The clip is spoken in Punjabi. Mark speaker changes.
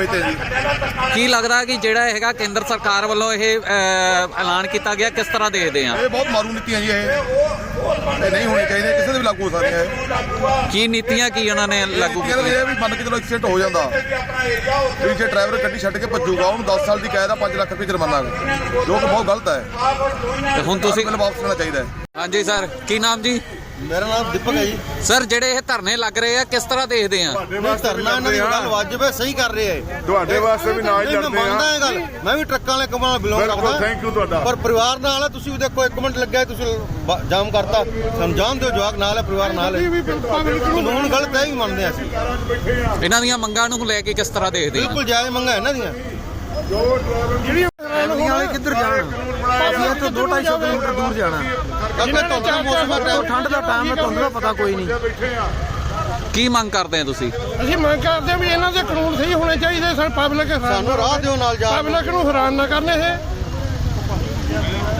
Speaker 1: ਸਮਝਦੇ ਜੀ।
Speaker 2: ਕੀ ਲੱਗਦਾ ਕਿ ਜਿਹੜਾ ਹੈਗਾ ਕੇਂਦਰ ਸਰਕਾਰ ਵੱਲੋਂ ਇਹ ਐਲਾਨ ਕੀਤਾ ਗਿਆ, ਕਿਸ ਤਰ੍ਹਾਂ ਦੇਖਦੇ ਆ?
Speaker 1: ਇਹ ਬਹੁਤ ਮਾਰੂ ਨੀਤੀਆਂ ਜੀ, ਇਹ ਨਹੀਂ ਹੋਣੀ ਚਾਹੀਦੀ, ਕਿਸੇ ਦੇ ਵੀ ਲਾਗੂ ਹੋ ਸਕਦੀਆਂ ਇਹ।
Speaker 2: ਕੀ ਨੀਤੀਆਂ ਕੀ ਉਹਨਾਂ ਨੇ ਲਾਗੂ
Speaker 1: ਕੀਤੀਆਂ? ਇਹ ਵੀ ਮੰਨ ਕੇ ਚਲੋ ਐਕਸੀਡੈਂਟ ਹੋ ਜਾਂਦਾ ਵੀ ਜੇ ਡਰਾਈਵਰ ਗੱਡੀ ਛੱਡ ਕੇ ਭੱਜੂਗਾ ਉਹਨੂੰ 10 ਸਾਲ ਦੀ ਕੈਦ ਆ, 5 ਲੱਖ ਰੁਪਏ ਜੁਰਮਾਨਾ, ਜੋ ਕਿ ਬਹੁਤ ਗਲਤ ਹੈ।
Speaker 2: ਤੇ ਹੁਣ ਤੁਸੀਂ
Speaker 1: ਵਾਪਸ ਲੈਣਾ ਚਾਹੀਦਾ ਹੈ।
Speaker 2: ਹਾਂਜੀ ਸਰ, ਕੀ ਨਾਮ ਜੀ?
Speaker 3: ਮੇਰਾ ਨਾਮ ਦੀਪਕ ਹੈ ਜੀ।
Speaker 2: ਸਰ ਜਿਹੜੇ ਇਹ ਧਰਨੇ ਲੱਗ ਰਹੇ ਆ, ਕਿਸ ਤਰ੍ਹਾਂ ਦੇਖਦੇ ਆ?
Speaker 3: ਧਰਨਾ ਇਹਨਾਂ ਦੀ ਗੱਲ ਵਾਜਬ ਹੈ, ਸਹੀ ਕਰ ਰਹੇ ਆ।
Speaker 4: ਤੁਹਾਡੇ ਵਾਸਤੇ ਵੀ ਨਾਲ ਹੀ ਲੜਦੇ ਆ।
Speaker 3: ਮੰਨਦਾ ਇਹ ਗੱਲ, ਮੈਂ ਵੀ ਟਰੱਕਾਂ ਵਾਲੇ ਕੰਮਾਂ ਨਾਲ ਬਿਲੋਂਗ ਕਰਦਾ।
Speaker 4: ਥੈਂਕ ਯੂ ਤੁਹਾਡਾ।
Speaker 3: ਪਰ ਪਰਿਵਾਰ ਨਾਲ ਹੈ, ਤੁਸੀਂ ਦੇਖੋ 1 ਮਿੰਟ ਲੱਗਿਆ, ਤੁਸੀਂ ਜਾਮ ਕਰਤਾ। ਸਮਝਾਉਣ ਦਿਓ, ਜਵਾਕ ਨਾਲ ਹੈ, ਪਰਿਵਾਰ ਨਾਲ ਹੈ। ਕਾਨੂੰਨ ਗਲਤ ਹੈ, ਵੀ ਮੰਨਦੇ ਆ ਅਸੀਂ।
Speaker 2: ਇਹਨਾਂ ਦੀਆਂ ਮੰਗਾਂ ਨੂੰ ਲੈ ਕੇ ਕਿਸ ਤਰ੍ਹਾਂ ਦੇਖਦੇ ਆ?
Speaker 3: ਬਿਲਕੁਲ ਜਾਇਜ਼ ਮੰਗਾਂ ਇਹਨਾਂ ਦੀਆਂ।
Speaker 5: ਵਾਲੇ ਕਿੱਧਰ ਜਾਣ? ਅਸੀਂ ਇੱਥੋਂ 200-250 ਕਿਲੋਮੀਟਰ ਦੂਰ ਜਾਣਾ।
Speaker 3: ਧੁੰਦ ਦਾ ਮੌਸਮ ਹੈ,
Speaker 5: ਠੰਡ ਦਾ ਟਾਈਮ ਹੈ, ਧੁੰਦ ਦਾ ਪਤਾ ਕੋਈ ਨਹੀਂ।
Speaker 2: ਕੀ ਮੰਗ ਕਰਦੇ ਆ ਤੁਸੀਂ?
Speaker 6: ਅਸੀਂ ਮੰਗ ਕਰਦੇ ਵੀ ਇਹਨਾਂ ਦੇ ਕਾਨੂੰਨ ਸਹੀ ਹੋਣੇ ਚਾਹੀਦੇ। ਸਾਨੂੰ
Speaker 3: ਸਾਨੂੰ ਰਾਹ ਦਿਓ ਨਾਲ ਜਾ।
Speaker 6: ਪਬਲਿਕ ਨੂੰ ਹੈਰਾਨ ਨਾ ਕਰਨ ਇਹ।